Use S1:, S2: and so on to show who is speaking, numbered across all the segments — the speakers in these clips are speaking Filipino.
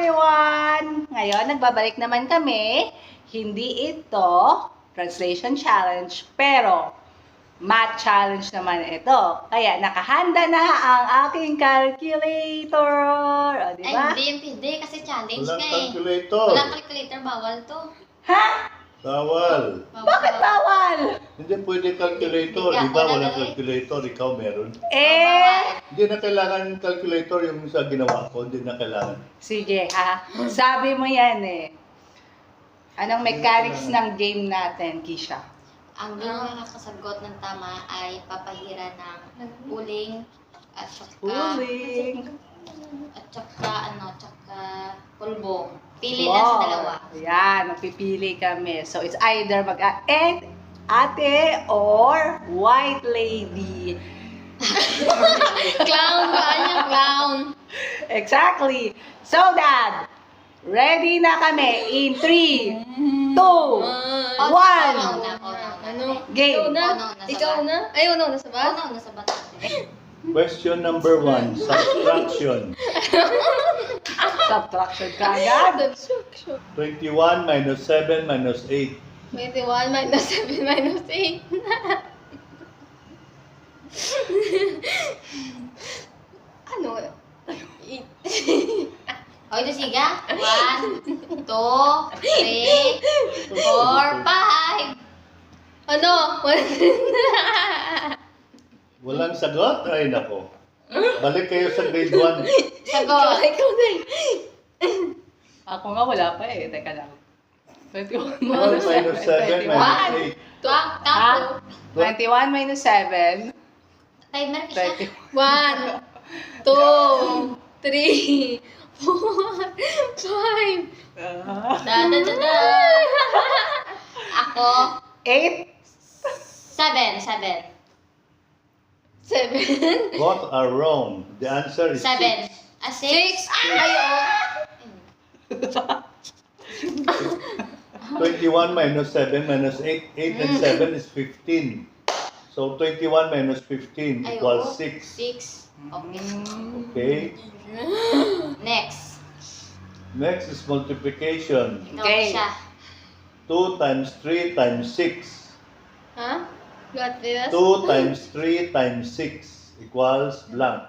S1: everyone! Ngayon, nagbabalik naman kami. Hindi ito translation challenge, pero math challenge naman ito. Kaya nakahanda na ang aking calculator. O, di ba?
S2: Ay, hindi kasi challenge
S3: Walang
S2: ka eh.
S3: calculator.
S2: Walang calculator, bawal to.
S1: Ha?
S3: Bawal.
S1: Bakit bawal?
S3: Hindi pwede calculator.
S2: Hindi
S3: Di ba
S2: wala
S3: walang
S2: na eh.
S3: calculator? Ikaw meron.
S1: Eh,
S3: Hindi na kailangan calculator yung sa ginawa ko. Hindi na kailangan.
S1: sige ha. Sabi mo yan eh. Anong mechanics ng game natin, Kisha?
S2: Ang nakakasagot ng tama ay papahira ng uling at saka pulbo. Pili lang sa dalawa.
S1: Yan, magpipili kami. So, it's either ate or white lady.
S2: Clown ba? Yung clown.
S1: Exactly. So, Dad, ready na kami in 3, 2, 1.
S2: Ano?
S1: Game.
S2: Ikaw na? Ay, una sa bat? Una sa bat.
S3: Question number 1. Subtraction.
S1: Subtraction ka agad.
S3: 21 minus 7 minus 8.
S2: 21 minus 7 minus 8. Ano? O, ito siga. 1, 2, 3, 4, 5. Ano?
S3: Walang sagot? Ay, nako. Balik kayo sa grade 1.
S2: Sagot. Ikaw na.
S1: Ako nga wala pa eh. Teka lang. 21
S3: 1 minus 7 minus 8.
S2: Tuwang,
S1: Ha?
S2: tapo.
S1: 21 minus 7.
S2: Timer ka siya.
S1: 21.
S2: 1, 2, 3, 4, 5. Da. Ako,
S1: 8.
S2: 7.
S3: Both are wrong. The answer is
S2: 7. 6. Ayo.
S3: 21 minus 7 minus 8. 8 and 7 is 15. So 21 minus 15 equals 6.
S2: 6. Okay.
S3: Okay.
S2: Next.
S3: Next is multiplication.
S2: Ikaw
S1: Okay.
S2: siya.
S3: 2 times 3 times 6.
S2: Ha? What this?
S3: 2 times 3 times 6 equals blank.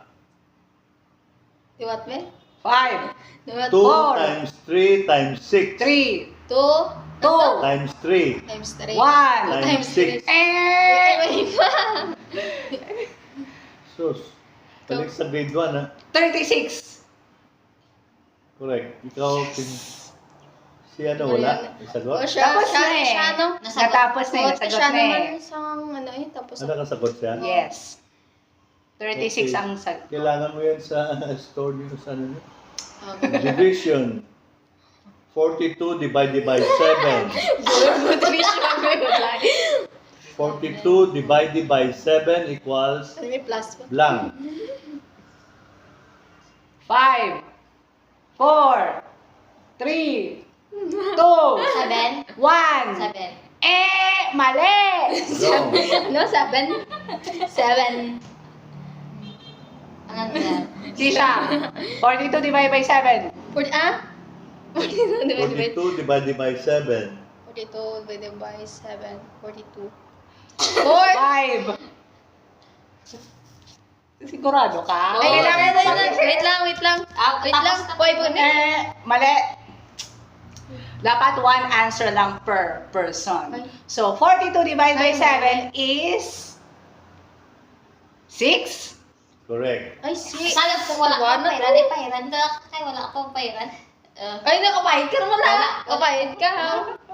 S2: What me?
S1: 5.
S3: 2
S1: 4.
S3: times 3 times 6
S1: 3.
S2: 2
S1: 2.
S3: times 3
S2: times 3.
S1: 1.
S3: times 6.
S1: Eh.
S3: Sus. Balik sa grade 1 ha.
S1: 36.
S3: Correct. Ikaw, si ano wala? Isagot?
S1: Tapos na eh.
S2: ano?
S1: Natapos na eh. Nasagot na eh.
S2: isang ano eh, tapos
S3: Ano kasagot siya?
S1: Yes. 36
S3: Okay.
S1: ang sagot.
S3: Kailangan mo yan sa store nyo sa ano. Division. 42 divided by 7. 42 divided by 7 equals
S2: May plus pa.
S3: blank.
S1: 5, 4, 3, 2,
S2: 7.
S1: 1.
S2: 7.
S1: Mali!
S3: Wrong.
S2: Ano? 7? 7. Ano yan?
S1: Sisha, 42 divided by 7.
S2: 42 divided by
S3: 42 divided by 7.
S2: 42 divided by 7. 42.
S1: 5. Sigurado ka?
S2: Ay,
S1: Kailangan mo
S2: wait lang. Wait lang.
S1: Mali. Dapat one answer lang per person.
S2: Ay.
S1: So, 42 divided by
S2: Ay,
S1: 7 is 6.
S3: Correct.
S2: Ay, Sayang kung wala akong pairan. Eh, pairan ka. Kaya wala akong pairan. Ay, nakapahid ka naman ha. Kapahid ka ha.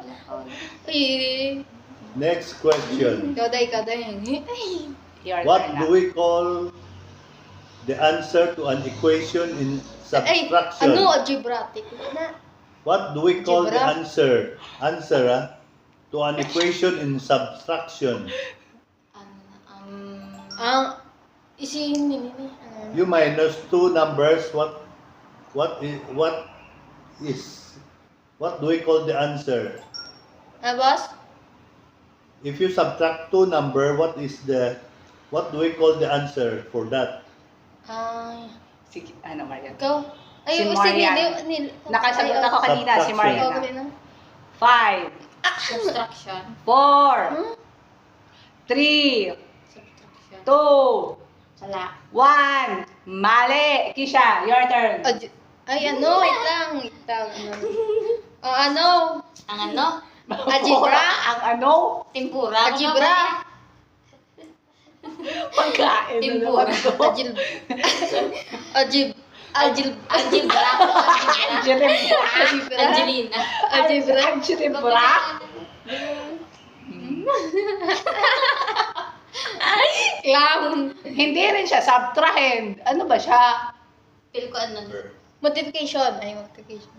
S2: Ay.
S3: Next question.
S2: Ikaw day.
S1: Your
S3: What
S1: turn
S3: do
S1: na.
S3: we call the answer to an equation in
S2: Ay,
S3: subtraction?
S2: ano? Algebraic. Na.
S3: What do we call the
S2: Algebra?
S3: answer to an equation in subtraction?
S2: Ang isihin nini.
S3: You minus two numbers. What do we call the answer?
S2: Boss?
S3: If you subtract two number, what do we call the answer for that?
S2: Ay.
S1: Sige, ano Marian?
S2: Ikaw? Ay,
S1: Si
S2: yung
S1: Marian. Nakasagot ako kanina, si
S3: Subtraction.
S1: Marian. 5,
S2: Subtraction.
S1: 4, 3,
S2: Subtraction.
S1: 2,
S2: Sala.
S1: 1. Mali. Kisha, your turn.
S4: Ay, ano? Wait lang. Ano?
S2: Ang ano?
S4: Algebra?
S1: Ang ano?
S2: Tempura.
S4: Algebra?
S1: Pagkain.
S2: Tempura.
S4: Algebra?
S2: Algebra. Angelina.
S4: Algebra?
S1: Algebra?
S4: Clown.
S1: Hindi rin siya. Subtrahend. Ano ba siya?
S2: Feel ko ano.
S4: Multiplication. Ay, multiplication.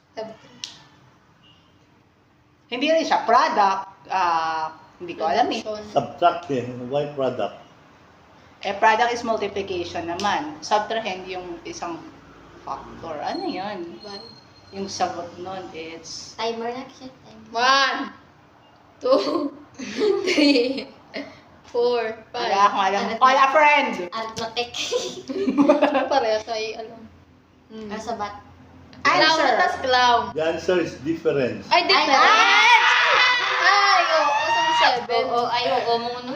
S1: Hindi rin siya. Product. Hindi ko alam eh.
S3: Subtraction. Why product?
S1: Product is multiplication naman. Subtrahend yung isang factor. Ano yun? Yung sagot nun, it's...
S2: Timer na siya. Timer.
S4: 1, 2, 3, 4, 5.
S1: Wala akong alam. Call a friend!
S2: Arithmetic.
S4: Pareho tayo alam.
S2: Kasabat.
S4: Clown
S1: Answer!
S4: na tas clown.
S3: The answer is difference.
S4: Ay, different. Ay, oo. Isang 7.
S2: Oo, ay, oo mo ano.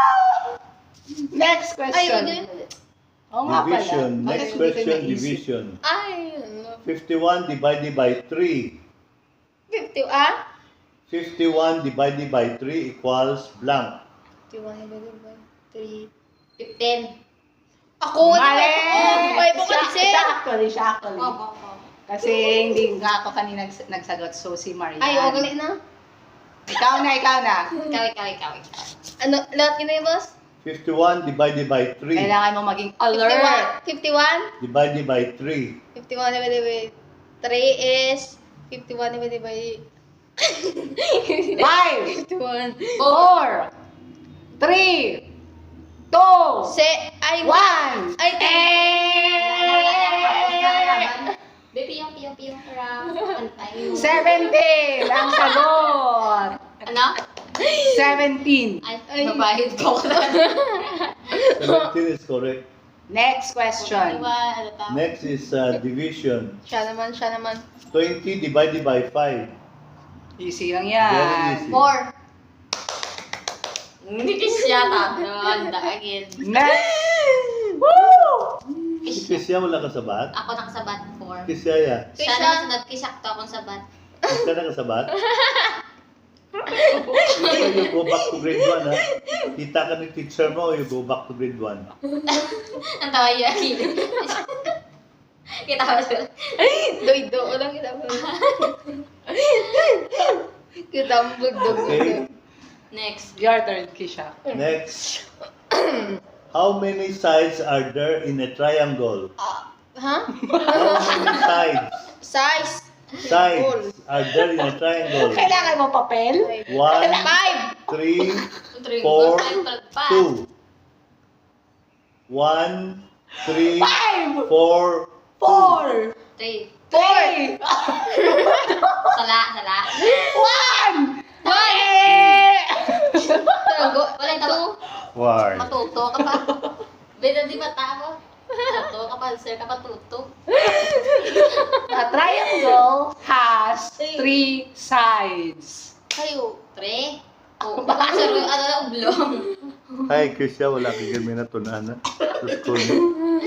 S1: Next
S4: Ay,
S1: question.
S4: yun.
S1: Oo nga pala.
S3: Division.
S1: Bakit
S3: Next
S1: hindi ko
S3: question,
S1: naisip?
S3: division.
S4: Ay, ano.
S3: 51 divided by 3.
S4: 50,
S3: 51 divided by 3 equals blank.
S4: 51 divided by 3.
S2: 15.
S4: Ako,
S1: Mali!
S4: Ay, bukod
S1: Siya actually.
S2: Oo.
S1: Kasi hindi nga ako kanina nagsagot. So, si Marian.
S4: Ay, ugali na.
S1: Ikaw na.
S2: Ikaw.
S4: Ano, lahat yun na yun, boss?
S3: 51 divided by 3
S1: Kailangan mo maging alert.
S4: 51?
S3: divided by 3.
S4: 51 divided by 3 is 51 divided by
S1: 5,
S4: 51.
S1: 4, 3, 2,
S4: Ay,
S1: 1.
S4: Ay,
S2: Baby, yung round.
S1: 17 ang sagot.
S2: Ano?
S1: 17.
S2: Ay, mabahid ko.
S3: 17 is correct.
S1: Next question.
S2: Ano tawag?
S3: Next is division.
S4: Siya naman.
S3: 20 divided by 5.
S1: Easy lang
S3: Very
S1: yan.
S3: easy.
S2: 4. Hindi siya tatlo. Again.
S1: Next. Woo!
S3: Kisya wala ka sabat?
S2: Ako nakasabat 4.
S3: Kisya ya.
S2: Siya nakasabat, kisakto akong sabat.
S3: Kisya na kasabat? You go back to grade 1 ha. Kita ka ni teacher mo, you go back to grade 1.
S2: Ang tawa niya. Kita ko siya.
S4: Doido. Walang kita mo. Kita mo bugdog.
S3: Okay.
S2: Next.
S1: Your turn, Kisha.
S3: Next. How many sides are there in a triangle?
S4: Ha?
S3: How many sides?
S4: Size?
S3: Sides are there in a triangle?
S1: Kailangan mo papel?
S3: 1,
S4: 5.
S3: 3, 4, 2. 1, 3, 4,
S1: 4,
S2: 3.
S1: 3,
S2: Sala.
S1: 1.
S2: Walang tawa.
S3: 1.
S2: Matuto ka pa. Beda di mata mo. Matuto ka pa, sir ka matuto.
S1: A triangle has 3 sides.
S4: Kayo.
S2: 3. Oo, baka sir, ano na oblong.
S3: Hi, Kisya, wala kang kami na tunan sa school mo.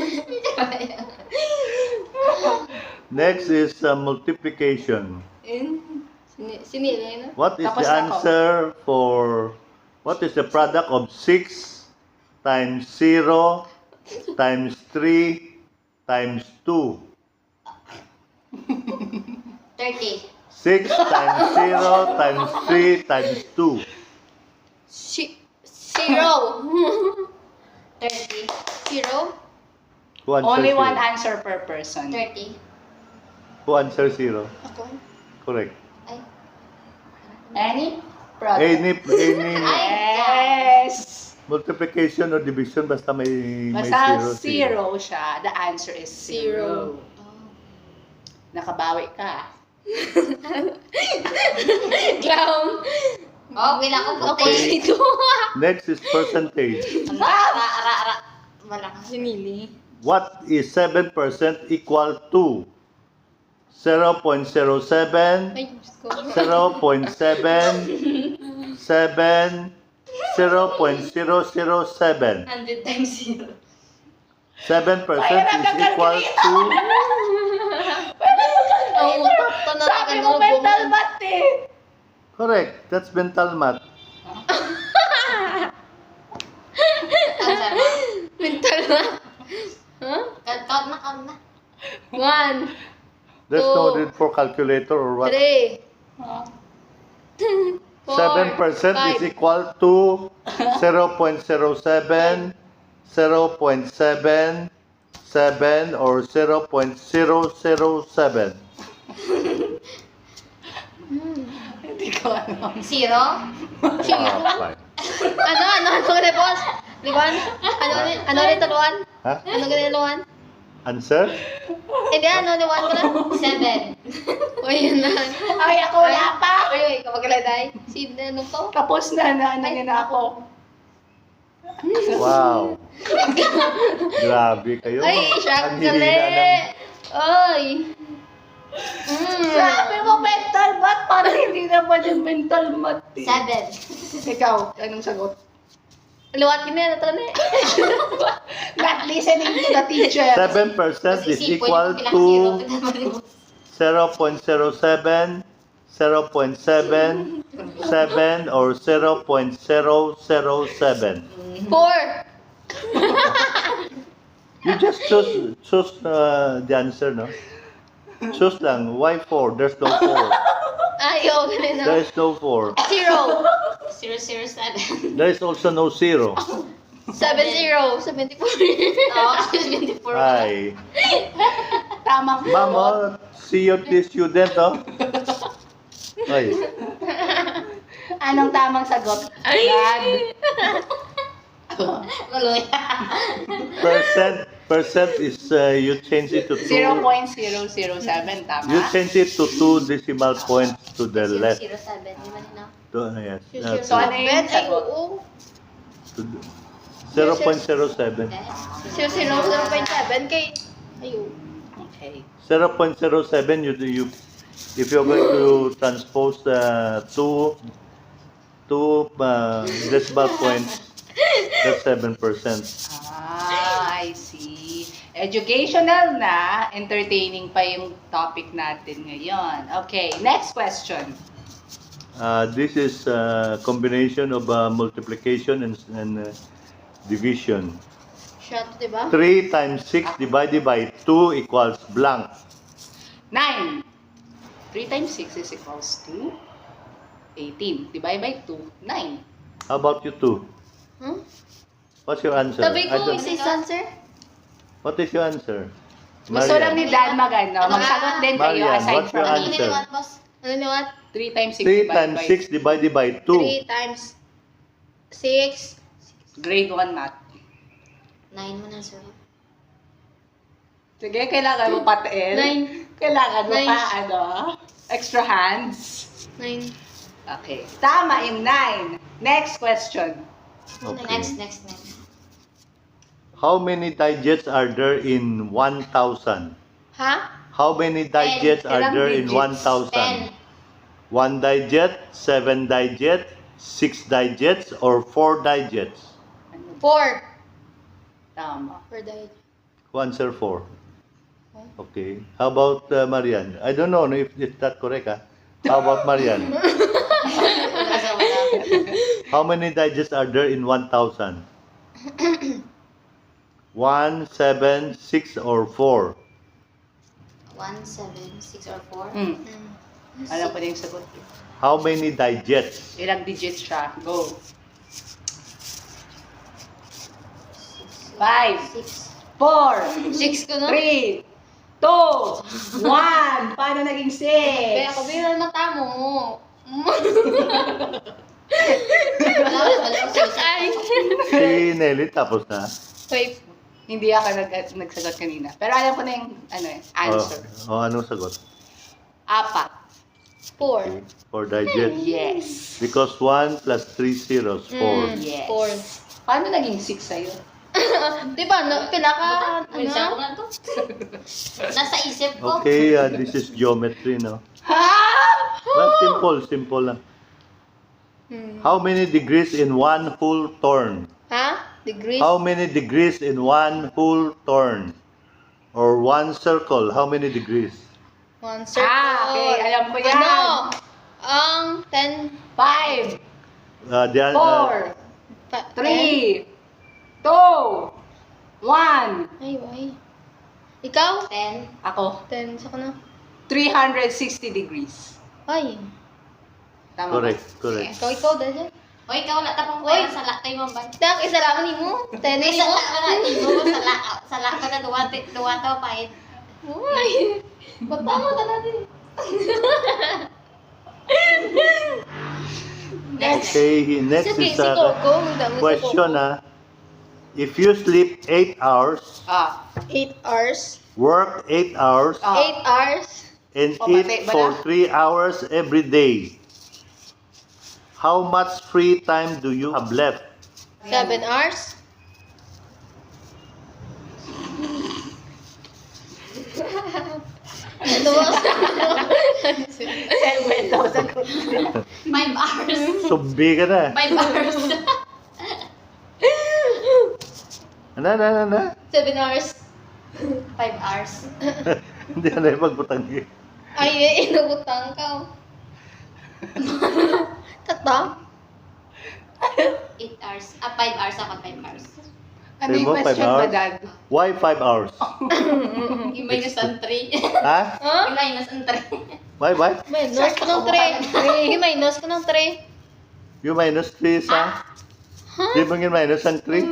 S3: Next is multiplication.
S4: Sinili na.
S3: What is
S1: Tapos
S3: the
S1: ako.
S3: answer for, what is the product of 6 times 0 times 3 times 2?
S2: 30.
S3: 6 times 0 times 3 times 2.
S4: 0.
S2: 30.
S4: 0.
S3: Who answers
S1: Only 1
S3: 0?
S1: answer per person.
S2: 30.
S3: Who answers 0?
S4: Ako.
S3: Correct.
S2: Ay.
S1: Any product.
S3: Any
S1: Yes.
S3: multiplication or division basta may
S1: Basta
S3: 0.
S1: 0 siya, the answer is 0. Nakabawi ka.
S4: Clown.
S2: Oh, wala ko puti.
S3: Okay.
S4: Ito.
S3: Next is percentage.
S2: Ra. Malakas.
S4: Sinili.
S3: What is 7% equal to? 0.07,
S4: Ay, Diyos ko.
S3: 0.7, 7, 0.007.
S2: 100 times 0.
S3: 7% is equal to...
S4: Ang utak ko na
S1: Sabi mo mental math eh.
S3: Correct. That's mental math.
S2: Answer mo?
S4: Mental na. Huh?
S2: Count na, count na.
S4: 1,
S3: There's no
S4: 2,
S3: need for calculator or what.
S4: 3, 4,
S3: 7% is
S4: 5.
S3: equal to 0.07, 0.7, 7, or 0.007.
S1: Hindi ko alam.
S2: 0?
S3: Ah, fine.
S4: Ano ganun, boss? Liwan? Ano ulit, Luan?
S3: Ha?
S4: Ano ganun, Luan?
S3: Answer?
S4: Hindi, Luan ko lang?
S2: 7.
S4: O, yun na.
S1: Ay, ako wala pa.
S4: Ay, kapag kaladay. Si, ano to?
S1: Tapos na na ako.
S3: Wow. Grabe kayo.
S4: Ay, siya
S3: Ang
S4: kali.
S3: hihina ng-
S4: Ay.
S1: Sabi mo mental math, parang hindi naman yung mental math eh.
S2: 7.
S1: Ikaw, anong sagot?
S4: Luwat ka na, ito na.
S1: Not listening to the teacher.
S3: 7% is equal to 0.07, 0.7, 7, or 0.007.
S4: 4.
S3: You just choose the answer, no? Choose lang. Why 4? There's no 4.
S4: Ay, oo, ganun
S3: There
S4: na.
S3: is no 4.
S4: 0.
S2: 007.
S3: There is also no 0.
S4: 70. 74.
S2: Oo, 24.
S3: Ay.
S1: Tamang
S3: Ma'am, oh, see you the student, oh. Ay.
S1: Anong tamang sagot?
S4: Ay.
S1: Dad.
S2: Tuloy.
S3: Percent is, you change it to 2.
S1: 0.007, tama?
S3: You change it to 2 decimal points to the left.
S2: 007. Di ba nila?
S3: Yes.
S1: So, ano yung
S4: Ay,
S1: sagot?
S4: oo.
S3: To 0.07.
S4: 0.7 kay... Ayun.
S1: Okay.
S3: 0.07, you if you're going to transpose two decimal points, that's 7%.
S1: Ah, I see. Educational na, entertaining pa yung topic natin ngayon. Okay, next question.
S3: This is a combination of multiplication and division.
S4: Shot, diba?
S3: 3 times 6 divided by 2 equals blank.
S1: 9. 3 times 6 is equals to 18. Divide by 2, 9.
S3: How about you two?
S4: Hmm?
S3: What's your answer?
S4: Sabi
S3: I
S4: ko,
S3: don't-
S4: is his answer?
S3: What is your answer?
S1: Gusto lang ni Dad magano. Magsagot din kayo
S3: Marian,
S1: aside
S3: what's your
S1: from
S2: Ano
S3: answer?
S2: nila, boss?
S4: Ano ni what?
S1: 3 times 6
S3: 3
S1: divided
S3: times
S1: by
S3: 6 divided by 2.
S4: 3 times 6.
S1: grade 1 math.
S2: 9 mo na, sir.
S1: Sige, kailangan mo patiin.
S4: 9.
S1: Kailangan mo
S4: Nine.
S1: pa, extra hands.
S4: 9.
S1: Okay. Tama yung 9. Next question.
S3: Okay.
S2: Next.
S3: How many digits are there in 1,000?
S4: Ha?
S3: How many digits are
S1: Ilang
S3: there in
S1: digits?
S3: 1,000? 1 digit, 7 digit, 6 digits, or 4 digits?
S4: 4.
S1: Tama.
S4: Per died.
S3: Who answer 4? Okay. How about Marian? I don't know if that's correct. How about Marian? How many digits are there in 1,000? 1, 7, 6, or 4?
S2: 1, 7, 6, or 4?
S1: Hmm. Alam ko na yung sagot.
S3: How many digits?
S1: Ilang digits siya? Go. 5,
S2: 6.
S1: 4,
S4: 6 ko na.
S1: 3, 2, 1. Paano naging
S4: Kaya
S1: 6?
S4: ako bilang mata mo.
S2: Wala.
S4: Ay.
S3: Si Nelly tapos na.
S4: Wait.
S1: Hindi ako nagsagot kanina. Pero alam ko na yung answer.
S3: Anong sagot?
S1: 4.
S4: 4.
S3: 4 digits.
S1: Yes.
S3: Because 1 plus 3 zeros, 4.
S1: Yes.
S4: 4.
S1: Paano naging 6 sa'yo?
S4: Di ba, no, pinaka,
S2: Minsan ko
S4: ano?
S2: na to. Nasa isip ko.
S3: Okay, this is geometry, no?
S1: Ha?
S3: Well, simple lang. How many degrees in one whole turn?
S4: Ha? Degrees?
S3: How many degrees in one whole turn? Or one circle, how many degrees?
S4: One circle.
S1: Okay, alam ko yan.
S4: Ano? Ang 10,
S1: 5,
S3: The,
S1: 4, 3, 2, 1.
S4: Ay, why? Ikaw?
S2: 10.
S1: Ako,
S4: 10, sa na.
S1: 360 degrees.
S4: Ay.
S1: Tama ba?
S3: correct.
S4: Ikaw, dahil.
S2: O, ikaw wala tapang pera sa lakay mo ba?
S4: Tak, isa lang ni mo. 10
S2: May
S4: ni
S2: sa
S4: mo.
S2: lak na ibo sa lak ko na duwa to pa.
S4: Uy. Matama ka natin.
S2: Next.
S3: Okay, next
S4: Sige,
S3: is
S4: si
S3: a
S4: Coco. Magdami si
S3: question,
S4: Coco.
S3: If you sleep 8 hours,
S4: 8 hours.
S3: work 8 hours,
S4: 8 hours.
S3: and
S1: Oh,
S3: eat
S1: pati ba
S3: for
S1: na?
S3: 3 hours every day, how much free time do you have left?
S4: 7 hours. Ano ba?
S1: 7,000.
S2: 5 hours.
S3: Sumbi ka na.
S2: 5 hours.
S3: Ano?
S4: 7 hours.
S2: 5 hours.
S3: Hindi na yung magbutang.
S4: Ay, inubutang ka. Kata?
S2: 8 hours. 5 hours ako, 5 hours.
S1: Ano yung
S3: Sabi mo, 5
S1: question ba,
S3: hours?
S1: Dad?
S3: Why 5 hours?
S2: Yung minus ang 3.
S3: Ha?
S4: Ha?
S2: Yung minus ang 3.
S3: Why?
S4: Minus ko ng 3. Minus ko ng 3.
S3: You minus 3 sa? Di mo yung minus ang 3?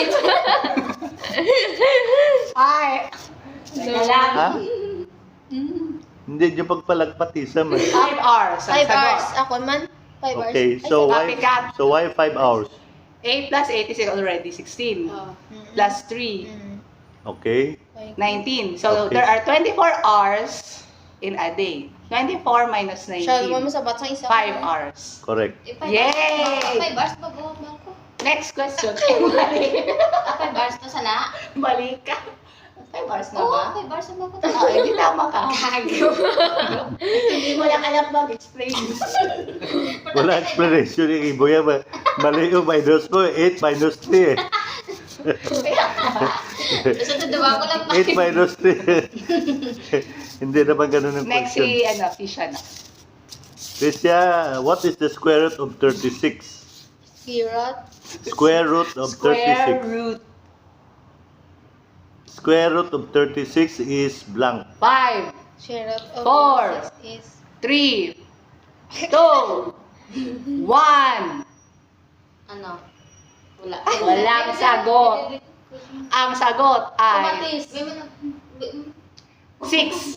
S1: Ay! Teka lang.
S3: Ha? Hindi nyo pagpalagpati sa man.
S1: 5 hours. ang
S4: 5
S1: sagot.
S4: hours. Ako man. 5 hours.
S3: Okay, so why
S1: copycat.
S3: 5 hours?
S1: 8 plus 8 is already 16. Plus 3,
S3: Okay.
S1: 19. So,
S3: Okay.
S1: there are 24 hours in a day. 24 minus
S4: Siya,
S1: 19.
S4: mo sa batang isa.
S1: 5 hours.
S3: Correct.
S1: Yay!
S2: 5 hours pa buong ko.
S1: Next question. Mali.
S2: 5 hours to sa la.
S1: Mali ka. 5 hours na
S2: Oo,
S1: ba?
S2: 5 hours na ba ko?
S1: Oo, hindi tama ka.
S2: Gago.
S1: Hindi mo lang alam mag-explain.
S3: Wala explanation yung ibo yan. Mali yung minus mo. 8 minus 3 eh.
S2: So, tuduwa ko lang pa.
S3: 8 minus 3. Hindi naman ganun yung
S1: Next
S3: question.
S1: si, Fisha na.
S3: Tricia, what is the square root of 36?
S4: Girat.
S3: Square root of
S1: Square
S3: 36.
S1: root.
S3: Square root of 36 is blank.
S1: 5,
S4: Share out of
S1: 4.
S4: 6 is
S1: 3, 2, 1.
S2: Ano? Wala.
S1: Walang sagot. Ang sagot ay
S2: Kumatis.
S1: 6.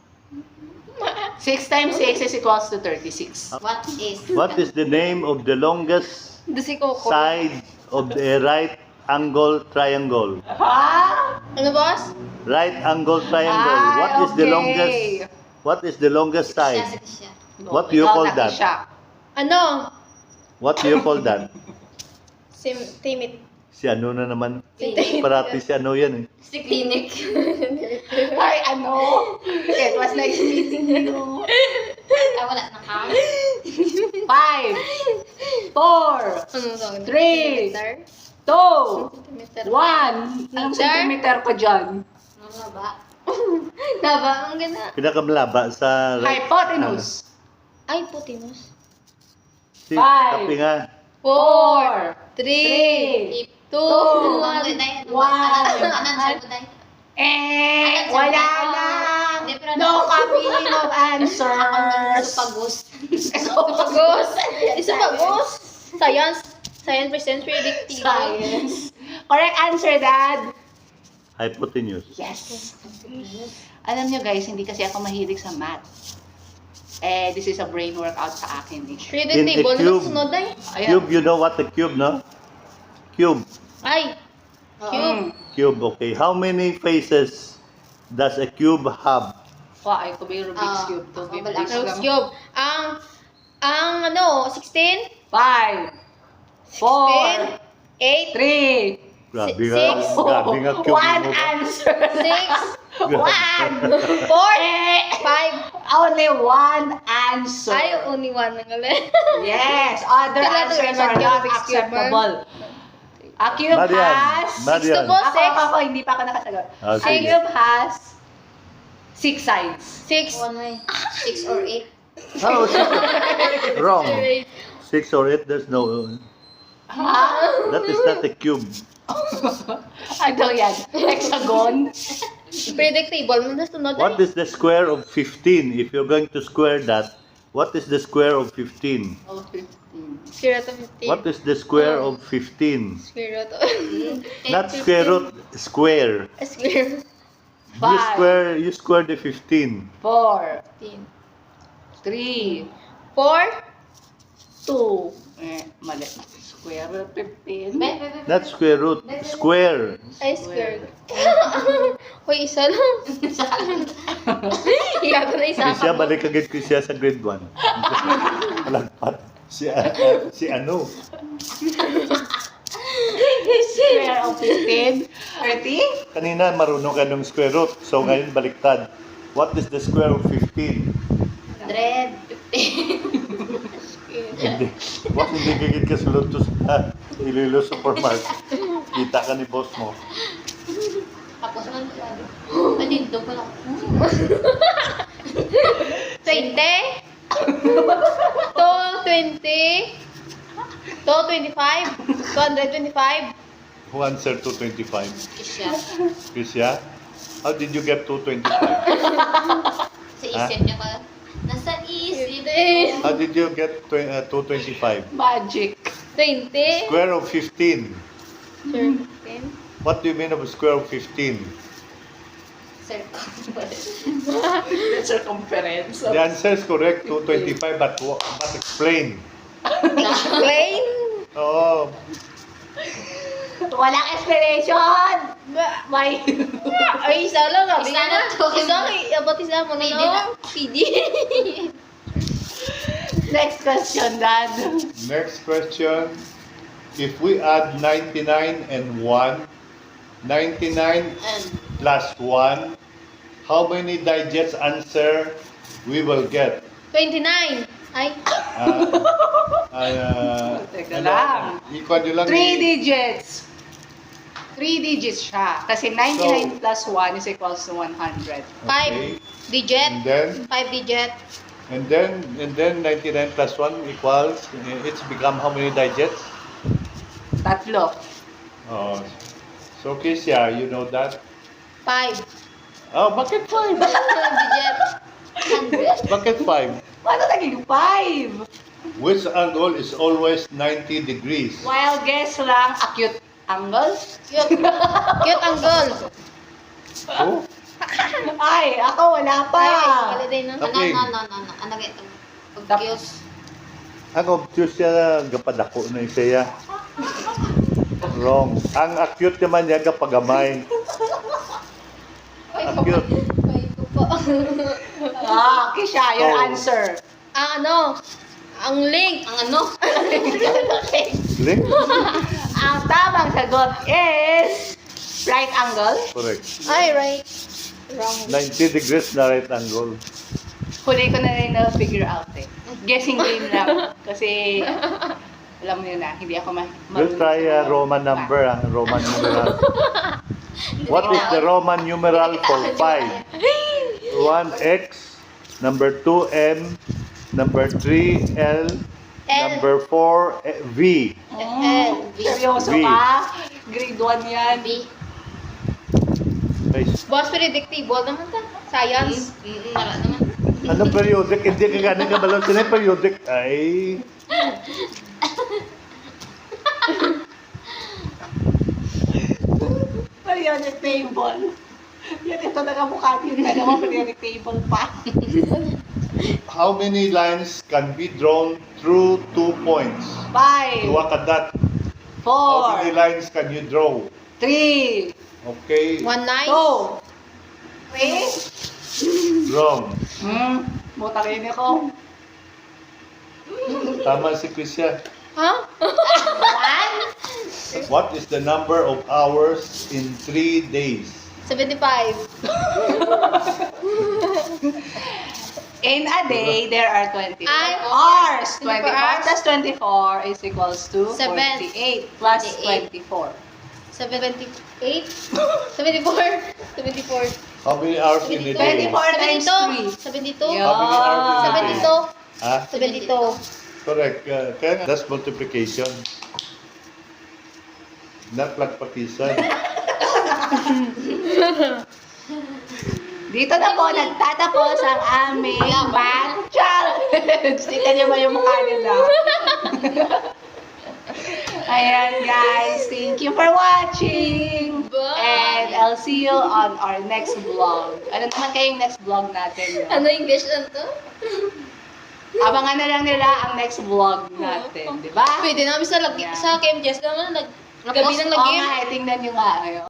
S1: 6 times 6 is equals to 36.
S2: What is?
S3: What is the name of the longest
S4: Ito si Coco.
S3: side of the right angle triangle?
S1: Ha?
S4: Ano, boss?
S3: Right angle triangle.
S1: Ay,
S3: What is the
S1: okay.
S3: longest? What is the longest
S2: Siya,
S3: side?
S2: siya.
S3: What do you
S1: Ikaw
S3: call
S1: na,
S3: that?
S1: Fisha.
S4: Ano?
S3: What do you call that?
S4: Timid.
S3: Si ano na naman?
S2: Clinic.
S3: Parati si ano yan eh.
S2: Si clinic.
S1: Ay, ano? It was nice meeting you.
S2: Wala na ka.
S1: 5, 4,
S4: Ano sa akin?
S1: 3,
S4: Centimeter?
S1: 2, 1. Anong centimeter ko dyan?
S2: Ano ba?
S4: Daba, ang ganda.
S3: Pinakamalaba sa right.
S1: Hypotenuse.
S4: Ay, putinus.
S3: Si,
S1: Five.
S3: kapi nga.
S1: 4,
S4: 3, 2,
S1: 1.
S2: 2, 1. Ano answer ko dahil?
S1: Wala lang. No copy of answers.
S2: Supagos.
S4: Pagos. Isa pagos. Science. Science presents predictive.
S1: Science. Correct answer, Dad.
S3: Hypotenuse.
S1: Yes. Alam nyo guys, hindi kasi ako mahilig sa math. This is a brain workout sa akin eh.
S4: Predictive.
S3: In a
S4: Ano
S3: cube.
S4: sunod ay?
S1: Ayan.
S3: Cube, you know what the cube, no? Cube.
S4: Ay. Cube.
S3: Cube, okay. How many faces does a cube have?
S1: Ay, ko ba yung Rubik's Cube to?
S2: wala.
S4: Rubik's Cube. Ang ano, 16?
S1: 5, 4,
S4: 8,
S1: 3,
S3: Grabe
S4: Six.
S3: nga. Grabe nga cube
S1: One
S3: mo ba?
S1: answer.
S4: 6,
S1: One.
S4: 4, 5.
S1: Only one answer.
S4: Ay, only one na galing.
S1: Yes, other
S4: Kailan
S1: answers
S4: naman
S1: are
S4: yung
S1: not
S4: Rubik's Cube,
S1: acceptable. A cube
S3: Marian,
S1: has...
S3: Marian.
S4: to
S1: Ako,
S4: Six.
S1: ako, hindi pa ako nakasagot.
S3: Ah,
S1: A
S3: sige.
S1: cube has 6 sides.
S4: 6.
S2: One way. 6 or 8.
S3: Oh, wrong. 6 or 8, there's no...
S1: Ha?
S3: That is not a cube.
S1: Ano yan? Hexagon?
S4: Predictable. Ano sunod
S3: What is the square of 15? If you're going to square that, what is the square of 15?
S1: Oh, 15.
S4: Square root of 15.
S3: What is the square of 15?
S4: Square root of...
S3: Not square root, square.
S4: Square.
S3: You square the 15.
S1: 4,
S4: 15.
S1: 3,
S4: 4.
S1: 2. Mali. Square root 15.
S3: Not square root, square.
S4: Ay, square. Hoy, isa lang. Iya ko na isa.
S3: Kasi siya, balik agad ko siya sa grade 1. Malagpat. Si ano?
S1: Square of 15. 30?
S3: Kanina marunong ka ng square root. So ngayon baliktad. What is the square of 15?
S2: 100.
S3: Hindi. What hindi gigit ka sulod to sa Iloilo Supermarket. Kita ka ni boss mo.
S2: Tapos man sabi. Manindo ko lang.
S4: 20. To 20. To 25. 225.
S3: Who answered 225?
S2: Isya.
S3: Krisya? How did you get 225?
S2: Sa isip niya ka. Nasa isip.
S3: How did you get 225?
S1: Magic.
S4: 20.
S3: Square of 15.
S4: Sure. 15.
S3: What do you mean of square of 15?
S2: Circumference.
S1: The circumference.
S3: The answer is correct, 225, but explain.
S4: Plain.
S3: Oh,
S1: Walang explanation! May...
S4: Ay, isa lang. Sabi
S2: Isa
S4: ko
S2: na
S4: na.
S2: to.
S4: Isa lang. Abot isa mo na.
S2: Pwede
S4: no?
S2: na.
S4: PD.
S1: Next question, Dad.
S3: next question. If we add 99 and 1, 99
S2: And
S3: plus 1, how many digits answer we will get?
S4: 29. Ay.
S1: Teka lang.
S3: Ikon nyo lang.
S1: 3 digits. 3 digits siya. Kasi 99 plus 1 is equals to 100.
S4: 5
S3: Okay.
S4: digit.
S3: And then,
S4: 5 digit.
S3: and then 99 plus 1 equals, it's become how many digits?
S1: Tatlo.
S3: Oh, so Kisya, you know that?
S4: 5.
S3: Oh, bakit 5?
S4: digit.
S2: 100.
S3: Bakit 5?
S1: Paano naging 5?
S3: Which angle is always 90 degrees?
S1: While guess lang, acute angle?
S4: Cute. Cute angle.
S3: Oh,
S1: Ay, ako wala pa.
S4: Ay, holiday na.
S3: Okay.
S2: Ano. Ano ito?
S1: Tapos,
S3: ang obtuse siya, gapadako na siya. Wrong. Ang acute naman niya, gapagamay. Acute.
S1: Kisha, your
S3: Oh.
S1: answer.
S4: Ang ano? Ang link.
S2: Ang ano?
S3: Link?
S1: Ang tamang sagot is right angle.
S3: Correct.
S4: Ay, right. Wrong.
S3: 90 degrees na right angle.
S1: Huli ko na rin na-figure out eh. Guessing game lang. Kasi, alam mo yun na, hindi ako
S3: We'll try a Roman number, Roman numeral. What is the Roman numeral for 5? 1x, number 2m, number 3l, number 4 v.
S1: Seryoso
S3: V.
S1: ka? Grade 1 yan.
S2: B.
S3: Nice.
S4: Boss, predictable naman ta. Science.
S2: Mara naman.
S3: Ano periodic? Hindi ka ganun kabalon. Sino yung periodic? Ay.
S1: Periodic table. Yan, ito nakamukha din na naman periodic table pa.
S3: How many lines can be drawn through 2 points?
S1: 5,
S3: Luwa ka that. How many
S1: 4,
S3: lines can you draw?
S1: 3,
S3: Okay.
S4: 1 line.
S1: 2, 3.
S3: Wrong.
S1: Butang ini ko.
S3: Tama si Krisya.
S4: Ha?
S3: What is the number of hours in 3 days?
S4: 75.
S1: In a day, there are 24
S4: Ay,
S1: hours.
S4: 24
S1: 24
S4: hours.
S1: plus 24 is equals to
S4: Seven.
S1: 48 plus
S4: 48.
S1: 24.
S4: 78? 74? 74.
S3: How many hours in a day?
S1: 24 times 3.
S4: 72?
S1: Yeah.
S3: How many hours in a day?
S4: 72?
S3: Ah,
S4: 72.
S3: correct. Kaya that's multiplication. Not plagpatisan.
S1: Dito na po nagtatapos ang aming math challenge. Tingnan niyo ba yung mukha nila? Ayan guys, thank you for watching.
S2: Bye.
S1: And I'll see you on our next vlog. Ano naman kayong next vlog natin? No?
S2: Ano English na to?
S1: Abangan na lang nila ang next vlog natin, di ba?
S4: Pwede namin sa
S1: Yeah.
S4: sa KMJS naman, gabi ng
S1: Oo
S4: lagi.
S1: nga, tingnan nyo nga.